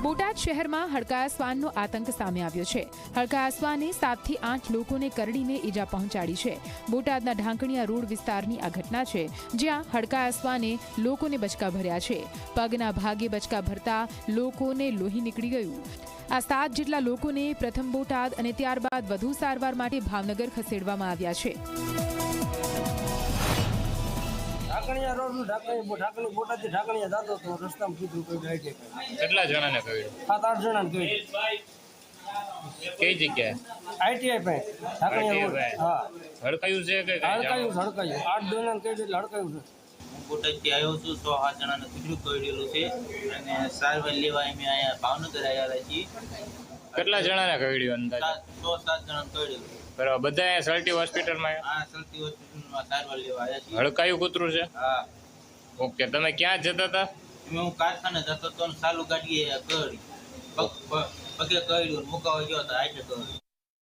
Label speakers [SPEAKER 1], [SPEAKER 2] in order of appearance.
[SPEAKER 1] બોટાદ શહેરમાં હડકાયા શ્વાનનો આતંક સામે આવ્યો છે। હડકાયા શ્વાને 7 થી 8 લોકોને કરડીને ઈજા પહોંચાડી છે। બોટાદના ઢાંકણિયા રોડ વિસ્તારની આ ઘટના છે, જ્યાં હડકાયા શ્વાને લોકોને બચકા ભર્યા છે। પગના ભાગે બચકા ભરતા લોકોને લોહી નીકળી ગયું। આ 7 જેટલા લોકોને પ્રથમ બોટાદ અને ત્યારબાદ વધુ સારવાર માટે ભાવનગર ખસેડવામાં આવ્યા છે।
[SPEAKER 2] ઢાકણિયા રોડ નું ઢાકણી બોટાદથી ઢાકણિયા જાતો તો રસ્તામાં કીધું કોઈ ગાડી
[SPEAKER 3] કેટલા જણાને કહ્યું?
[SPEAKER 2] 7-8 જણાને કહ્યું।
[SPEAKER 3] કઈ જગ્યાએ?
[SPEAKER 2] આઈટીઆઈ પાસે ઢાકણિયા રોડ। હા,
[SPEAKER 3] હડકાયું છે કે
[SPEAKER 2] હડકાયું 8 જણાને કહ્યું એટલે હડકાયું છે।
[SPEAKER 4] બોટાદથી આવ્યો છું, 6-7 જણાને કીધું કરેલું છે અને સારવાર લેવા અમે અહીંયા ભાવનગર આવ્યા છીએ।
[SPEAKER 3] કેટલા જણાને કહ્યું અંદાજે?
[SPEAKER 4] 6-7 જણાને કરેલું।
[SPEAKER 3] બરાબર, બધા સલટી હોસ્પિટલમાં
[SPEAKER 4] આ સલટી હોસ્પિટલમાં સારવાર લેવા આવ્યા છીએ।
[SPEAKER 3] હડકાયું કૂતરું છે?
[SPEAKER 4] હા।
[SPEAKER 3] ઓકે, તમે ક્યાં જતા હતા?
[SPEAKER 4] હું કારખાને જતો હતો ને ચાલુ ગાડીએ પગે કર્યું, મુકાવા ગયો હતો હાઈટે કર્યું।